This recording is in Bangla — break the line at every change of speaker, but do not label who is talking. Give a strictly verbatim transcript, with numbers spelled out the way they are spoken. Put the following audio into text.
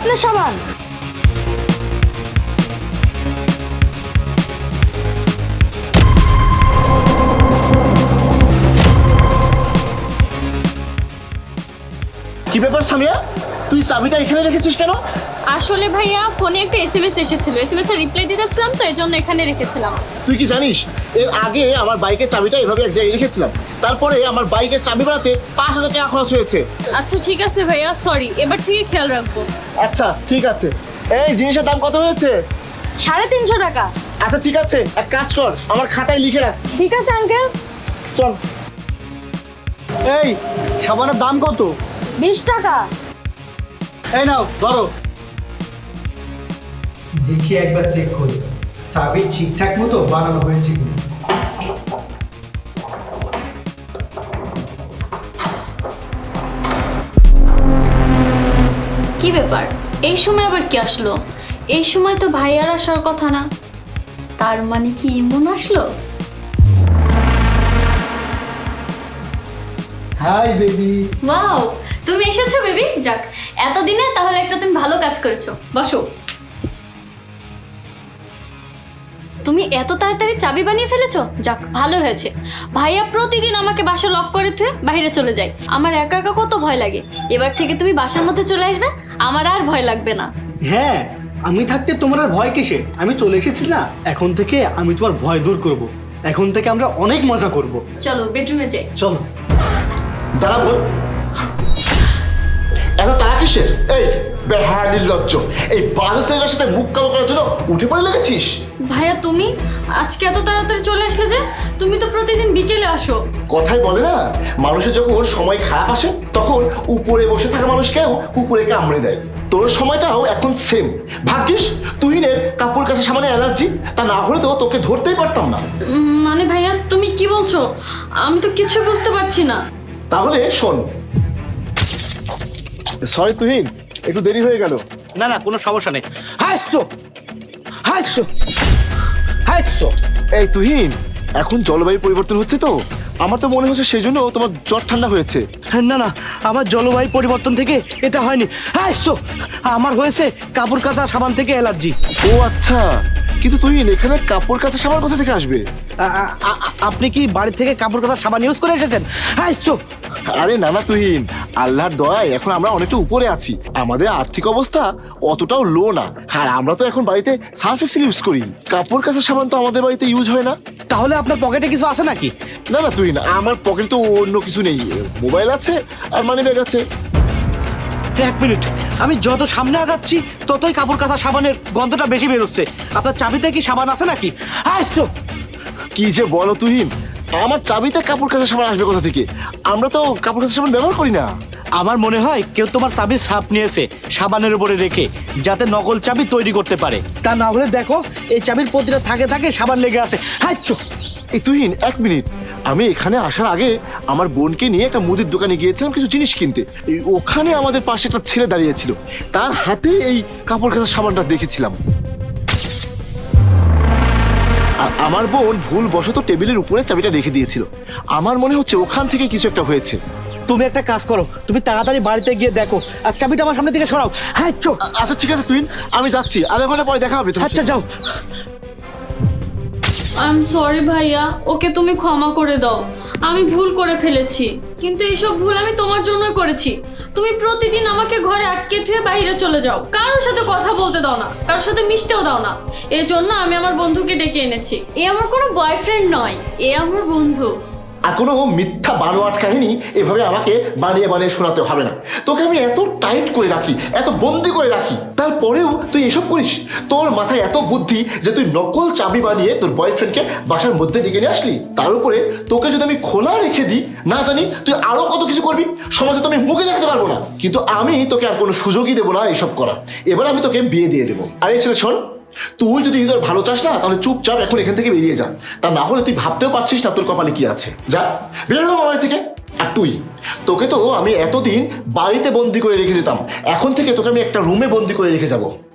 আপনার সাবান।
কি ব্যাপার সামিয়া, তুই চাবিটা এখানে রেখেছিস কেন?
আসলে ভাইয়া ফোনে একটা এসএমএস এসেছিল, এসএমএস এর রিপ্লাই দিতেছিলাম তো এজন্য এখানে রেখেছিলাম।
তুই কি জানিস এর আগে আমার বাইকের চাবিটা এভাবে এক জায়গায় রেখেছিলাম, তারপরে আমার বাইকের চাবি বানাতে পাঁচ হাজার টাকা খরচ হয়েছে।
আচ্ছা ঠিক আছে ভাইয়া, সরি, এবার থেকে খেয়াল রাখবো।
আচ্ছা ঠিক আছে। এই জিনিসের দাম কত হয়েছে?
সাড়ে তিনশো টাকা।
আচ্ছা ঠিক আছে, এক কাজ কর, আমার খাতায় লিখে রাখ।
ঠিক আছে আঙ্কেল।
চল। এই সাবানের দাম কত?
বিশ টাকা।
এই নাও ধরো।
দেখি একবার চেক করি চাবি ঠিকঠাক মতো বানানো হয়েছে কিনা।
কি ব্যাপার, এই সময় আবার কি আসলো? এই সময় তো ভাইয়ার আসার কথা না, তার মানে কি ইমন আসলো?
Hi baby.
ওয়াও, তুমি এসেছো বেবি। যাক, এতদিনে তাহলে একটা তুমি ভালো কাজ করেছো, বসো। তুমি এত তাড়াতাড়ি চাবি বানিয়ে ফেলেছো, যাক ভালো হয়েছে। ভাইয়া প্রতিদিন আমাকে বাসা লক করে থুয়ে বাইরে চলে যায়, আমার একা একা কত ভয় লাগে। এবার থেকে তুমি বাসার মধ্যে চলে আসবে, আমার আর ভয় লাগবে না।
হ্যাঁ, আমি থাকতে তোমার আর ভয় কিসে? আমি চলে এসেছি না, এখন থেকে আমি তোমার ভয় দূর করব। এখন থেকে আমরা অনেক মজা করব।
চলো বেডরুমে যাই।
চলো।
দাঁড়া বল, এত তারা কিসের? এই বেহায়া নির্লজ্জ, এই বাজে ছেলেটার সাথে মুখ কালো করার জন্য উঠে পড়ে লেগেছিস?
ভাইয়া তুমি আজকে এত তাড়াতাড়ি চলে আসলে যে? তুমি তো প্রতিদিন বিকেলে আসো।
কথাই বলে না, মানুষের যখন সময় খারাপ আসে তখন উপরে বসে থাকা মানুষকেও উপরে কামড়ে দেয়। তোর সময়টাও এখন সেম। ভাগ্যিস তুহিনের কাপড় কাছে সামান্য অ্যালার্জি, তা না হলে তো তোকে ধরতেই পারতাম না।
উম, মানে ভাইয়া তুমি কি বলছো? আমি তো কিছু বুঝতে পারছি না।
তাহলে শোন। সরি তুহিন, একটু দেরি হয়ে গেল।
না না, কোনো সমস্যা নেই। হাসছো হাসছো হাসছো।
এই তুহিন, এখন জলবায়ু পরিবর্তন হচ্ছে তো, আমার তো মনে হচ্ছে সেই জন্য তোমার জ্বর ঠান্ডা হয়েছে।
না না, আমার জলবায়ু পরিবর্তন থেকে এটা হয়নি। হাসছো, আমার হয়েছে কাপড় কাচা সাবান থেকে অ্যালার্জি।
ও আচ্ছা, কিন্তু তুহিন এখানে কাপড় কাচা সাবান কোথা থেকে আসবে?
আ- আ- আ- আপনি কি বাড়ি থেকে কাপড় কাচা সাবান ইউজ করে এসেছেন? হাসছো।
আরে না না তুহিন, আল্লাহর দয়ায় এখন আমরা অনেকটা উপরে আছি, আমাদের আর্থিক অবস্থা অতটাও লো না। আর আমরা তো এখন বাড়িতে সার্ফ এক্সেল ইউজ করি, কাপড় কাচা সাবান তো আমাদের বাড়িতে ইউজ হয় না।
তাহলে আপনার পকেটে কিছু আছে নাকি?
না না তুহিন, আমার পকেটে তো অন্য কিছু নেই, মোবাইল আছে আর মানি ব্যাগ আছে।
এক মিনিট, আমি যত সামনে আগাচ্ছি ততই কাপড় কাচা সাবানের গন্ধটা বেশি বেরোচ্ছে। আপনার চাবিতে কি সাবান আছে নাকি? আসছো।
কি যে বলো তুহিন, আমার চাবিতে কাপড় কাচা সাবান আসবে কোথা থেকে? আমরা তো কাপড় কাচা সাবান ব্যবহার করি না।
আমার মনে হয় কেউ তোমার চাবির ছাপ নিয়েছে সাবানের উপরে রেখে, যাতে নকল চাবি তৈরি করতে পারে। তা না হলে দেখো, এই চাবির প্রতিটা থাকে থাকে সাবান লেগে আছে। হাইচ্ছো।
এই তুহিন এক মিনিট, আমি এখানে আসার আগে আমার বোনকে নিয়ে একটা মুদির দোকানে গিয়েছিলাম কিছু জিনিস কিনতে। এই ওখানে আমাদের পাশে একটা ছেলে দাঁড়িয়েছিল, তার হাতে এই কাপড় কাচা সাবানটা দেখেছিলাম। আর আমার বোন ভুল বশত টেবিলের উপরে চাবিটা রেখে দিয়েছিল, আমার মনে হচ্ছে ওখান থেকে কিছু একটা হয়েছে।
তুমি একটা কাজ করো, তুমি তাড়াতাড়ি বাড়িতে গিয়ে দেখো আর চাবিটা আমার সামনে থেকে সরাও। হাইচ্ছো।
আ- আচ্ছা ঠিক আছে তুহিন, আমি যাচ্ছি, আধা ঘন্টা পরে দেখা হবে।
আচ্ছা যাও।
আই এম সরি ভাইয়া, ওকে তুমি ক্ষমা করে দাও। আমি ভুল করে ফেলেছি, কিন্তু এইসব ভুল আমি তোমার জন্যই করেছি। তুমি প্রতিদিন আমাকে ঘরে আটকে থুয়ে বাইরে চলে যাও, কারোর সাথে কথা বলতে দাও না, কারোর সাথে মিশতেও দাও না। এই জন্য আমি আমার বন্ধুকে ডেকে এনেছি। এ আমার কোনো বয়ফ্রেন্ড নয়, এ আমার বন্ধু।
আর কোনো মিথ্যা বানোয়াট কাহিনী এভাবে আমাকে বানিয়ে বানিয়ে শোনাতে হবে না। তোকে আমি এত টাইট করে রাখি, এত বন্দি করে রাখি, তারপরেও তুই এসব করিস? তোর মাথায় এত বুদ্ধি যে তুই নকল চাবি বানিয়ে তোর বয়ফ্রেন্ডকে বাসার মধ্যে ডেকে নিয়ে আসলি। তার উপরে তোকে যদি আমি খোলা রেখে দিই, না জানি তুই আরো কত কিছু করবি, সমাজে তো আমি মুখে দেখাতে পারবো না। কিন্তু আমি তোকে আর কোনো সুযোগই দেবো না এসব করার। এবার আমি তোকে বিয়ে দিয়ে দেবো। আর এই ছেলে শোন, তুই যদি নিজের ভালো চাস না, তাহলে চুপচাপ এখন এখান থেকে বেরিয়ে যা। তা না হলে তুই ভাবতেও পারছিস না তোর কপালে কি আছে। যা বের হবো বাড়ি থেকে। আর তুই, তোকে তো আমি এতদিন বাড়িতে বন্দি করে রেখে দিতাম, এখন থেকে তোকে আমি একটা রুমে বন্দি করে রেখে যাবো।